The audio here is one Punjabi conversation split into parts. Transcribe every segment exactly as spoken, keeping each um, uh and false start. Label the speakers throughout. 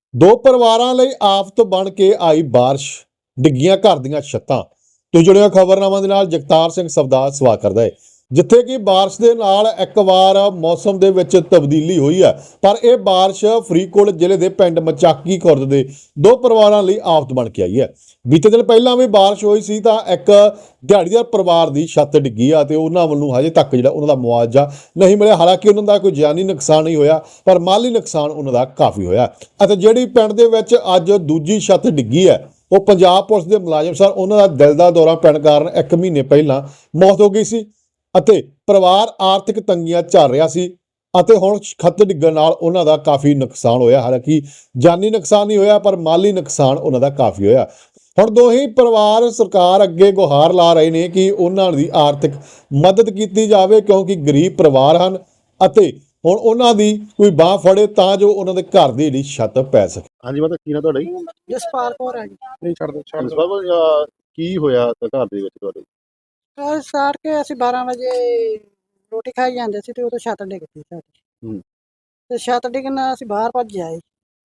Speaker 1: ਦੋ ਪਰਿਵਾਰਾਂ ਲਈ ਆਫਤ ਬਣ ਕੇ ਆਈ ਬਾਰਿਸ਼, ਡਿੱਗੀਆਂ ਘਰ ਦੀਆਂ ਛੱਤਾਂ। ਤੁਸੀਂ ਜੁੜਿਓ ਖਬਰਨਾਮਾ ਦੇ ਨਾਲ। ਜਗਤਾਰ ਸਿੰਘ ਸਵਦਾ ਸਵਾਗਤ ਕਰਦਾ ਹੈ। ਜਿੱਥੇ ਕਿ ਬਾਰਿਸ਼ ਦੇ ਨਾਲ ਇੱਕ ਵਾਰ ਮੌਸਮ ਦੇ ਵਿੱਚ ਤਬਦੀਲੀ ਹੋਈ ਹੈ, ਪਰ ਇਹ ਬਾਰਿਸ਼ ਫਰੀਦਕੋਟ ਜ਼ਿਲ੍ਹੇ ਦੇ ਪਿੰਡ ਮਚਾਕੀ ਖੁਰਦ ਦੇ ਦੋ ਪਰਿਵਾਰਾਂ ਲਈ ਆਫਤ ਬਣ ਕੇ ਆਈ ਹੈ। ਬੀਤੇ ਦਿਨ ਪਹਿਲਾਂ ਵੀ ਬਾਰਿਸ਼ ਹੋਈ ਸੀ ਤਾਂ ਇੱਕ ਦਿਹਾੜੀਦਾਰ ਪਰਿਵਾਰ ਦੀ ਛੱਤ ਡਿੱਗੀ ਆ ਤੇ ਉਹਨਾਂ ਵੱਲੋਂ ਹਜੇ ਤੱਕ ਜਿਹੜਾ ਉਹਨਾਂ ਦਾ ਮੁਆਵਜ਼ਾ ਨਹੀਂ ਮਿਲਿਆ। ਹਾਲਾਂਕਿ ਉਹਨਾਂ ਦਾ ਕੋਈ ਜਾਨੀ ਨੁਕਸਾਨ ਨਹੀਂ ਹੋਇਆ, ਪਰ ਮਾਲੀ ਨੁਕਸਾਨ ਉਹਨਾਂ ਦਾ ਕਾਫੀ ਹੋਇਆ। ਅਤੇ ਜਿਹੜੀ ਪਿੰਡ ਦੇ ਵਿੱਚ ਅੱਜ ਦੂਜੀ ਛੱਤ ਡਿੱਗੀ ਹੈ, ਉਹ ਪੰਜਾਬ ਪੁਲਿਸ ਦੇ ਮੁਲਾਜ਼ਮ ਸਨ। ਉਹਨਾਂ ਦਾ ਦਿਲ ਦਾ ਦੌਰਾ ਪੈਣ ਕਾਰਨ ਇੱਕ ਮਹੀਨੇ ਪਹਿਲਾਂ ਮੌਤ ਹੋ ਗਈ ਸੀ ਅਤੇ ਪਰਿਵਾਰ ਆਰਥਿਕ ਤੰਗੀਆਂ ਝੱਲ ਰਿਹਾ ਸੀ ਅਤੇ ਹੁਣ ਛੱਤ ਡਿੱਗਣ ਨਾਲ ਉਹਨਾਂ ਦਾ ਕਾਫੀ ਨੁਕਸਾਨ ਹੋਇਆ। ਹਾਲਾਂਕਿ ਜਾਨੀ ਨੁਕਸਾਨ ਨਹੀਂ ਹੋਇਆ, ਪਰ ਮਾਲੀ ਨੁਕਸਾਨ ਉਹਨਾਂ ਦਾ ਕਾਫੀ ਹੋਇਆ। ਹੁਣ ਦੋਹੀ ਪਰਿਵਾਰ ਸਰਕਾਰ ਅੱਗੇ ਗੁਹਾਰ ਲਾ ਰਹੇ ਨੇ ਕਿ ਉਹਨਾਂ ਦੀ ਆਰਥਿਕ ਮਦਦ ਕੀਤੀ ਜਾਵੇ, ਕਿਉਂਕਿ ਗਰੀਬ ਪਰਿਵਾਰ ਹਨ ਅਤੇ ਹੁਣ ਉਹਨਾਂ ਦੀ ਕੋਈ ਬਾਹ ਫੜੇ ਤਾਂ ਜੋ ਉਹਨਾਂ ਦੇ ਘਰ ਦੀ ਜਿਹੜੀ ਛੱਤ ਪੈ ਸਕੇ।
Speaker 2: ਹਾਂਜੀ ਮਾਤਾ, ਕੀ ਨਾ ਤੁਹਾਡਾ ਜੀ?
Speaker 3: ਜਸਪਾਲ ਕੌਰ ਆ ਜੀ।
Speaker 2: ਨਹੀਂ ਛੱਡ ਦੋ ਛੱਡ ਦੋ। ਕੀ ਹੋਇਆ ਘਰ ਦੇ ਵਿੱਚ ਤੁਹਾਡੇ?
Speaker 3: ਕੱਲ ਸਾਰ ਕੇ ਅਸੀਂ ਬਾਰਾਂ ਵਜੇ ਰੋਟੀ ਖਾਈ ਜਾਂਦੇ ਸੀ ਤੇ ਉਦੋਂ ਛੱਤ ਡਿੱਗ ਪਈ ਸਾਡੀ।
Speaker 2: ਹੂੰ।
Speaker 3: ਤੇ ਛੱਤ ਡਿੱਗਣ ਨਾਲ ਅਸੀਂ ਬਾਹਰ ਭੱਜ ਆਏ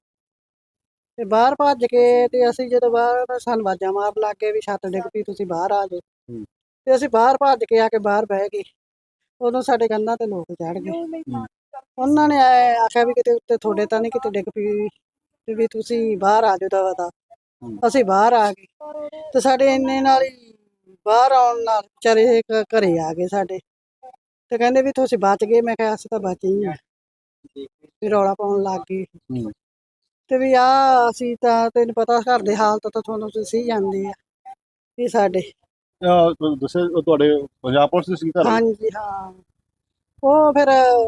Speaker 3: ਤੇ ਬਾਹਰ ਭੱਜ ਕੇ ਤੇ ਅਸੀਂ ਜਦੋਂ ਬਾਹਰ ਸਾਨੂੰ ਆਵਾਜ਼ਾਂ ਮਾਰਨ ਲੱਗ ਗਏ ਵੀ ਛੱਤ ਡਿੱਗ ਪਈ, ਤੁਸੀਂ ਬਾਹਰ ਆ ਜਾਓ।
Speaker 2: ਹੂੰ।
Speaker 3: ਤੇ ਅਸੀਂ ਬਾਹਰ ਭੱਜ ਕੇ ਆ ਕੇ ਬਾਹਰ ਬਹਿ ਗਏ। ਉਦੋਂ ਸਾਡੇ ਕੰਨਾਂ ਤੇ ਲੋਕ ਚੜ ਗਏ।
Speaker 2: ਹੂੰ।
Speaker 3: ਉਹਨਾਂ ਨੇ ਐ ਆਖਿਆ ਵੀ ਕਿਤੇ ਉੱਤੇ ਤੁਹਾਡੇ ਤਾਂ ਨਹੀਂ ਕਿਤੇ ਡਿੱਗ ਪਈ ਤੇ ਵੀ ਤੁਸੀਂ ਬਾਹਰ ਆ ਜਾਓ ਦਵਾ ਦਾ।
Speaker 2: ਹੂੰ।
Speaker 3: ਅਸੀਂ ਬਾਹਰ ਆ ਗਏ ਤੇ ਸਾਡੇ ਇੰਨੇ ਨਾਲ ਹੀ ਬਾਹਰ ਆਉਣ ਨਾਲ ਵਿਚਾਰੇ ਘ- ਘਰੇ ਆ ਗਏ ਸਾਡੇ ਤੇ ਕਹਿੰਦੇ ਵੀ ਤੁਸੀਂ ਬਚ ਗਏ। ਮੈਂ ਕਿਹਾ ਅਸੀਂ ਤਾਂ ਬਚੇ ਹੀ ਆ। ਵੀ ਰੌਲਾ ਪਾਉਣ ਲੱਗ ਗਏ
Speaker 2: ਹੂੰ।
Speaker 3: ਤੇ ਵੀ ਆ ਅਸੀਂ ਤਾਂ ਤੈਨੂੰ ਪਤਾ ਘਰ ਦੇ ਹਾਲਤ ਤਾਂ ਤੁਹਾਨੂੰ ਤੁਸੀਂ ਜਾਂਦੇ ਆ ਵੀ ਸਾਡੇ।
Speaker 2: ਅਹ ਦੱਸਿਆ ਉਹ ਤੁਹਾਡੇ ਪੰਜਾਬ ਪੁਲਿਸ ਦੇ ਸੀ ਘਰ?
Speaker 3: ਹਾਂਜੀ ਹਾਂ, ਉਹ ਫਿਰ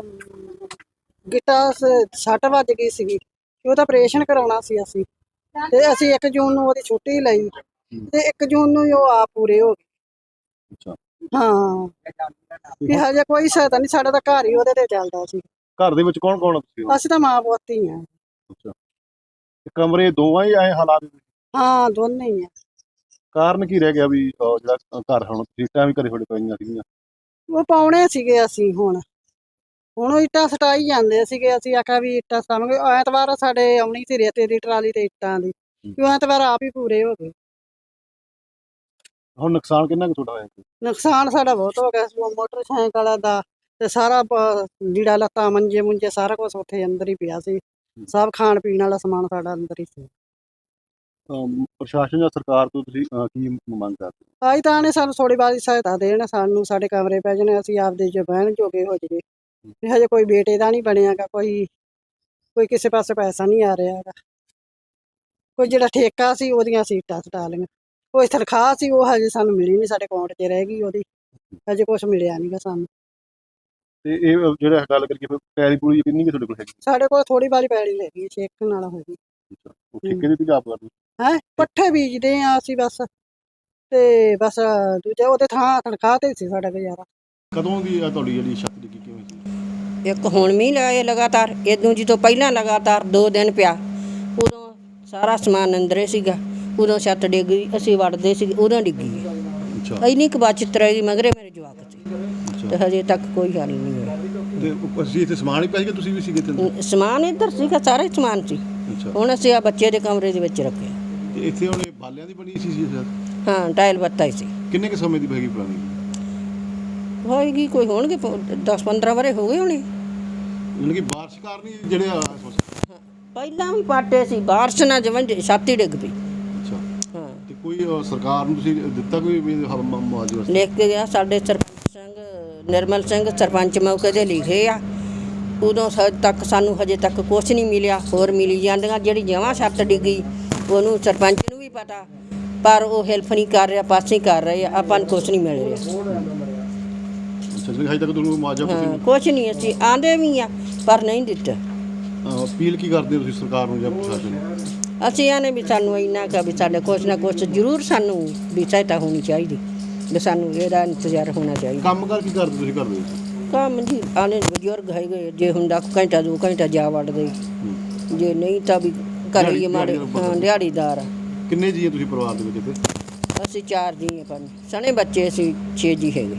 Speaker 3: ਗਿੱਟਾ ਸ- ਸੱਟ ਵੱਜ ਗਈ ਸੀਗੀ ਤੇ ਉਹਦਾ ਆਪਰੇਸ਼ਨ ਕਰਾਉਣਾ ਸੀ ਅਸੀਂ ਤੇ ਅਸੀਂ ਇੱਕ ਜੂਨ ਨੂੰ ਉਹਦੀ ਛੁੱਟੀ ਲਈ ਤੇ ਇੱਕ ਜੂਨ ਨੂੰ ਹੀ ਉਹ ਆਪ ਪੂਰੇ ਹੋ ਗਏ।
Speaker 2: ਅੱਛਾ।
Speaker 3: ਹਾਂ, ਵੀ ਹਜੇ ਕੋਈ ਸਹਾਇਤਾ ਨਹੀਂ, ਸਾਡਾ ਤਾਂ ਘਰ ਹੀ ਉਹਦੇ ਤੇ ਚੱਲਦਾ ਸੀ।
Speaker 2: ਘਰ ਦੇ ਵਿੱਚ ਕੌਣ ਕੌਣ ਆ ਤੁਸੀਂ?
Speaker 3: ਅਸੀਂ ਤਾਂ ਮਾਂ ਪੁੱਤ ਹੀ ਆ।
Speaker 2: ਅੱਛਾ। ਤੇ ਕਮਰੇ ਦੋਵਾਂ ਹੀ ਆਏ ਹਾਲਾਤ ਦੇ ਵਿੱਚ?
Speaker 3: ਹਾਂ, ਦੋਨੇ ਹੀ ਆ।
Speaker 2: ਕਾਰਨ ਕੀ ਰਹਿ ਗਿਆ ਵੀ ਅਹ ਜਿਹੜਾ ਘਰ ਹੁਣ ਸੀਟਾਂ ਵੀ ਘਰੇ ਤੁਹਾਡੇ ਪਈਆਂ ਸੀਗੀਆਂ?
Speaker 3: ਉਹ ਪਾਉਣੇ ਸੀਗੇ ਅਸੀਂ ਹੁਣ ਹੁਣ ਉਹ ਇੱਟਾਂ ਸਟਾਈ ਜਾਂਦੇ ਸੀਗੇ। ਅਸੀਂ ਆਖਿਆ ਵੀ ਇੱਟਾਂ ਸਟਾਵਾਂਗੇ। ਐਤਵਾਰ ਸਾਡੇ ਆਉਣੀ ਸੀ ਰੇਤੇ ਦੀ ਟਰਾਲੀ ਤੇ ਇੱਟਾਂ ਦੀ, ਵੀ ਉਹ ਐਤਵਾਰ ਆਪ ਹੀ ਪੂਰੇ ਹੋ ਗਏ।
Speaker 2: ਹੁਣ ਨੁਕਸਾਨ ਕਿੰਨਾ ਕੁ ਤੁਹਾਡਾ ਹੋਇਆ?
Speaker 3: ਨੁਕਸਾਨ ਸਾਡਾ ਬਹੁਤ ਹੋ ਗਿਆ ਸੀ। ਉਹ ਮੋਟਰਸਾਈਕਲ ਦਾ ਤੇ ਸਾਰਾ ਪ- ਲੀੜਾ ਲੱਤਾ ਮੰਜੇ ਮੁੰਜੇ ਸਾਰਾ ਕੁਝ ਉੱਥੇ ਅੰਦਰ ਹੀ ਪਿਆ ਸੀ। ਸਭ ਖਾਣ ਪੀਣ ਵਾਲਾ ਸਮਾਨ ਸਾਡਾ ਅੰਦਰ ਹੀ ਸੀ।
Speaker 2: ਅਮ ਪ੍ਰਸ਼ਾਸਨ ਜਾਂ ਸਰਕਾਰ ਤੋਂ ਤੁਸੀਂ ਅਹ ਕੀ ਮੰਗ ਕਰਦੇ ਹੋ?
Speaker 3: ਆਈ ਤਾਂ ਨੇ ਸਾਨੂੰ ਥੋੜੀ ਬਾਰੀ ਸਹਾਇਤਾ ਦੇਣ, ਸਾਨੂੰ ਸਾਡੇ ਕਮਰੇ ਪੈ ਜਾਣੇ, ਅਸੀਂ ਆਪਦੇ ਜੋ ਬਹਿਣ ਜੋਗੇ ਹੋ ਜਾਈਏ। ਵੀ ਹਜੇ ਕੋਈ ਬੇਟੇ ਦਾ ਨਹੀਂ ਬਣਿਆਗਾ, ਕੋਈ ਕੋਈ ਕਿਸੇ ਪਾਸੇ ਪੈਸਾ ਨਹੀਂ ਆ ਰਿਹਾ ਹੈਗਾ। ਕੋਈ ਜਿਹੜਾ ਠੇਕਾ ਸੀ ਉਹਦੀਆਂ ਸੀਟਾਂ ਸਟਾ ਲਈਆਂ, ਕੋਈ ਤਨਖਾਹ ਸੀ ਉਹ ਹਜੇ ਸਾਨੂੰ ਮਿਲੀ ਨਹੀਂ, ਸਾਡੇ ਅਕਾਊਂਟ 'ਚ ਰਹਿ ਗਈ ਉਹਦੀ, ਹਜੇ ਕੁਛ ਮਿਲਿਆ ਨਹੀਂਗਾ ਸਾਨੂੰ।
Speaker 2: ਤੇ ਇਹ ਜਿਹੜਾ ਗੱਲ ਕਰੀਏ ਫਿਰ ਪੈਲੀ ਪੂਰੀ ਕਿੰਨੀ ਕੁ ਤੁਹਾਡੇ ਕੋਲ ਹੈਗੀ?
Speaker 3: ਸਾਡੇ ਕੋਲ ਥੋੜੀ ਬਾਰੀ ਪੈਲੀ ਹੈਗੀ, ਛੇਕ ਨਾਲ ਹੋਈ।
Speaker 2: ਅੱਛਾ। ਉਹ ਠੇਕੇ ਦੇ ਵੀ ਆਪ ਕਰਦੇ?
Speaker 3: ਹੈ ਪੱਠੇ ਬੀਜਦੇ ਆ ਅਸੀਂ ਬਸ, ਤੇ ਬਸ ਦੂਜਾ ਉਹਦੇ ਥਾਂ ਤਨਖਾਹ ਤੇ ਸੀ ਸਾਡਾ ਗੁਜ਼ਾਰਾ।
Speaker 2: ਕਦੋਂ ਦੀ ਆ ਤੁਹਾਡੀ ਜਿਹੜੀ ਛੱਤ ਡਿੱਗੀ ਕਿਵੇਂ ਸੀ?
Speaker 4: ਇੱਕ ਹੁਣ ਮੀਂਹ ਲਾਏ ਲਗਾਤਾਰ, ਇਦੋਂ ਜਦੋਂ ਪਹਿਲਾਂ ਲਗਾਤਾਰ ਦੋ ਦਿਨ ਪਿਆ, ਉਦੋਂ ਸਾਰਾ ਸਮਾਨ ਅੰਦਰੇ ਸੀਗਾ। ਉਦੋਂ ਛੱਤ ਡਿੱਗ ਗਈ, ਅਸੀਂ ਵੜਦੇ ਸੀ ਉਦੋਂ ਡਿੱਗੀ।
Speaker 2: ਅੱਛਾ।
Speaker 4: ਇੰਨੀ ਕੁ ਬਚਤ ਰਹੀ, ਮਗਰੇ ਮੇਰੇ ਜਵਾਕ ਸੀ
Speaker 2: ਅੱਛਾ।
Speaker 4: ਤੇ ਹਜੇ ਤੱਕ ਕੋਈ ਹੱਲ ਨਹੀਂ ਹੋਇਆ।
Speaker 2: ਤੇ ਅਸੀਂ ਇੱਥੇ ਸਮਾਨ ਹੀ ਪਿਆ ਸੀਗਾ, ਤੁਸੀਂ ਵੀ ਸੀਗੇ ਇੱਥੇ?
Speaker 4: ਸਮਾਨ ਇੱਧਰ ਸੀਗਾ, ਸਾਰਾ ਹੀ ਸਮਾਨ ਸੀ।
Speaker 2: ਅੱਛਾ।
Speaker 4: ਹੁਣ ਅਸੀਂ ਆ ਬੱਚੇ ਦੇ ਕਮਰੇ ਦੇ ਵਿੱਚ ਰੱਖਿਆ।
Speaker 2: ਤੇ ਇੱਥੇ ਹੁਣ ਇਹ ਬਾਲਿਆਂ ਦੀ ਬਣੀ ਸੀ ਸੀ ਛੱਤ?
Speaker 4: ਹਾਂ, ਟਾਇਲ ਬੱਤਾ ਹੀ ਸੀ।
Speaker 2: ਕਿੰਨੇ ਕੁ ਸਮੇਂ ਦੀ ਹੈਗੀ ਪੁਰਾਣੀ?
Speaker 4: ਹੋਏਗੀ ਕੋਈ, ਹੋਣਗੇ ਦਸ ਪੰਦਰਾਂ ਵਰੇ ਹੋ ਗਏ ਹੋਣੇ।
Speaker 2: ਯਾਨੀ ਕਿ ਬਾਰਿਸ਼ ਕਾਰਨ ਹੀ ਜਿਹੜੇ ਆ
Speaker 4: ਪਹਿਲਾਂ ਵੀ ਪਾਟੇ ਸੀ, ਬਾਰਿਸ਼ ਨਾਲ ਜਮਾਂ ਛੱਤ ਹੀ ਡਿੱਗ ਪਈ।
Speaker 2: ਅੱਛਾ।
Speaker 4: ਹਾਂ,
Speaker 2: ਤੇ ਕੋਈ ਅਹ, ਸਰਕਾਰ ਨੂੰ ਤੁਸੀਂ ਦਿੱਤਾ ਕੋਈ ਵੀ ਹ- ਮ- ਮੁਆਵਜ਼ੇ ਵਾਸਤੇ?
Speaker 4: ਲਿਖ ਕੇ ਗਿਆ ਸਾਡੇ ਸਰਪੰਚ ਸਿੰਘ ਨਿਰਮਲ ਸਿੰਘ, ਸਰਪੰਚ ਮੌਕੇ ਦੇ ਲਿਖੇ ਆ। ਉਦੋਂ ਹਜੇ ਤੱਕ ਸਾਨੂੰ ਹਜੇ ਤੱਕ ਕੁਛ ਨਹੀਂ ਮਿਲਿਆ। ਹੋਰ ਮਿਲੀ ਜਾਂਦੀਆਂ, ਜਿਹੜੀ ਜਮਾਂ ਛੱਤ ਡਿੱਗੀ ਉਹਨੂੰ ਸਰਪੰਚ ਨੂੰ ਵੀ ਪਤਾ, ਪਰ ਉਹ ਹੈਲਪ ਨਹੀਂ ਕਰ ਰਿਹਾ, ਪਾਸੇ ਕਰ ਰਹੇ ਆ, ਆਪਾਂ ਨੂੰ ਕੁਛ ਨਹੀਂ ਮਿਲ ਰਿਹਾ।
Speaker 2: ਅੱਛਾ ਜੀ, ਹਜੇ ਤੱਕ ਤੁਹਾਨੂੰ ਮੁਆਵਜ਼ਾ ਕੁਛ
Speaker 4: ਹਾਂ,
Speaker 2: ਨਹੀਂ?
Speaker 4: ਕੁਛ ਨਹੀਂ, ਅਸੀਂ ਆਂਦੇ ਵੀ ਆ ਪਰ ਨਹੀਂ ਦਿੱਤਾ।
Speaker 2: ਅਹ, ਅਪੀਲ ਕੀ ਕਰਦੇ ਹੋ ਤੁਸੀਂ ਸਰਕਾਰ ਨੂੰ ਜਾਂ ਪ੍ਰਸ਼ਾਸਨ ਨੂੰ?
Speaker 4: ਅਸੀਂ ਆਨੇ ਵੀ ਸਾਨੂੰ ਇੰਨਾ ਕੁ ਵੀ ਸਾਡੇ ਕੁਛ ਨਾ ਕੁਛ ਜ਼ਰੂਰ ਸਾਨੂੰ ਵੀ ਸਹਾਇਤਾ ਹੋਣੀ ਚਾਹੀਦੀ, ਵੀ ਸਾਨੂੰ ਇਹਦਾ ਇੰਤਜ਼ਾਰ ਹੋਣਾ ਚਾਹੀਦਾ।
Speaker 2: ਕੰਮ ਕਰ ਕੀ ਕਰਦੇ ਤੁਸੀਂ ਘਰ ਦੇ ਵਿੱਚ?
Speaker 4: ਕੰਮ ਜੀ ਆਨੇ ਬਜ਼ੁਰਗ ਹੈਗੇ, ਜੇ ਹੁੰਦਾ ਘੰਟਾ ਦੋ ਘੰਟਾ ਜਾ ਵੜਦੇ, ਜੇ ਨਹੀਂ ਤਾਂ ਵੀ ਘਰੇ ਹੀ ਮਾੜੇ। ਹਾਂ, ਦਿਹਾੜੀਦਾਰ ਆ।
Speaker 2: ਕਿੰਨੇ ਜੀ ਤੁਸੀਂ ਪਰਿਵਾਰ ਦੇ ਵਿੱਚ ਇੱਥੇ?
Speaker 4: ਅਸੀਂ ਚਾਰ ਜੀ ਹਾਂ, ਪਰ ਸਣੇ ਬੱਚੇ ਅਸੀਂ ਛੇ ਜੀ ਹੈਗੇ।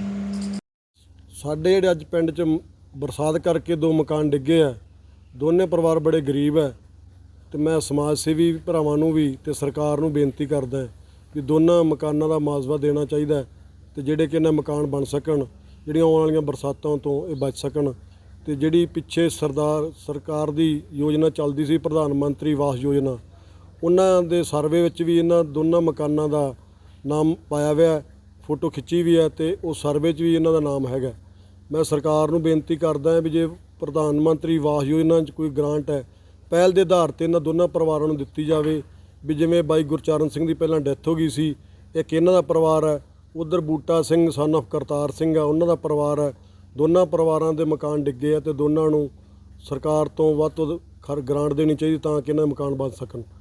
Speaker 5: ਸਾਡੇ ਜਿਹੜੇ ਅੱਜ ਪਿੰਡ 'ਚ ਬਰਸਾਤ ਕਰਕੇ ਦੋ ਮਕਾਨ ਡਿੱਗੇ ਆ। ਦੋਨੇ ਪਰਿਵਾਰ ਬੜੇ ਗਰੀਬ ਹੈ ਤੇ ਮੈਂ ਸਮਾਜ ਸੇਵੀ ਭਰਾਵਾਂ ਨੂੰ ਵੀ ਤੇ ਸਰਕਾਰ ਨੂੰ ਬੇਨਤੀ ਕਰਦਾ ਵੀ ਦੋਨਾਂ ਮਕਾਨਾਂ ਦਾ ਮੁਆਵਜ਼ਾ ਦੇਣਾ ਚਾਹੀਦਾ ਤੇ ਜਿਹੜੇ ਕਿ ਇਹਨਾਂ ਮਕਾਨ ਬਣ ਸਕਣ, ਜਿਹੜੀਆਂ ਆਉਣ ਵਾਲੀਆਂ ਬਰਸਾਤਾਂ ਤੋਂ ਇਹ ਬਚ ਸਕਣ। ਤੇ ਜਿਹੜੀ ਪਿੱਛੇ ਸਰਦਾਰ ਸਰਕਾਰ ਦੀ ਯੋਜਨਾ ਚੱਲਦੀ ਸੀ ਪ੍ਰਧਾਨ ਮੰਤਰੀ ਆਵਾਸ ਯੋਜਨਾ, ਉਹਨਾਂ ਦੇ ਸਰਵੇ ਵਿੱਚ ਵੀ ਇਹਨਾਂ ਦੋਨਾਂ ਮਕਾਨਾਂ ਦਾ ਨਾਮ ਪਾਇਆ ਹੋਇਆ, ਫੋਟੋ ਖਿੱਚੀ ਵੀ ਹੈ ਤੇ ਉਹ ਸਰਵੇ 'ਚ ਵੀ ਇਹਨਾਂ ਦਾ ਨਾਮ ਹੈਗਾ। ਮੈਂ ਸਰਕਾਰ ਨੂੰ ਬੇਨਤੀ ਕਰਦਾ ਵੀ ਜੇ ਪ੍ਰਧਾਨ ਮੰਤਰੀ ਆਵਾਸ ਯੋਜਨਾ 'ਚ ਕੋਈ ਗ੍ਰਾਂਟ ਹੈ, ਪਹਿਲ ਦੇ ਆਧਾਰ 'ਤੇ ਇਹਨਾਂ ਦੋਨਾਂ ਪਰਿਵਾਰਾਂ ਨੂੰ ਦਿੱਤੀ ਜਾਵੇ। ਵੀ ਜਿਵੇਂ ਬਾਈ ਗੁਰਚਰਨ ਸਿੰਘ ਦੀ ਪਹਿਲਾਂ ਡੈਥ ਹੋ ਗਈ ਸੀ, ਇੱਕ ਇਹਨਾਂ ਦਾ ਪਰਿਵਾਰ ਹੈ, ਉੱਧਰ ਬੂਟਾ ਸਿੰਘ ਸਨ ਆਫ ਕਰਤਾਰ ਸਿੰਘ ਆ, ਉਹਨਾਂ ਦਾ ਪਰਿਵਾਰ ਹੈ। ਦੋਨਾਂ ਪਰਿਵਾਰਾਂ ਦੇ ਮਕਾਨ ਡਿੱਗੇ ਆ ਤੇ ਦੋਨਾਂ ਨੂੰ ਸਰਕਾਰ ਤੋਂ ਵੱਧ ਤੋਂ ਵੱਧ ਖਰ ਗ੍ਰਾਂਟ ਦੇਣੀ ਚਾਹੀਦੀ ਤਾਂ ਕਿ ਇਹਨਾਂ ਦੇ ਮਕਾਨ ਬਣ ਸਕਣ।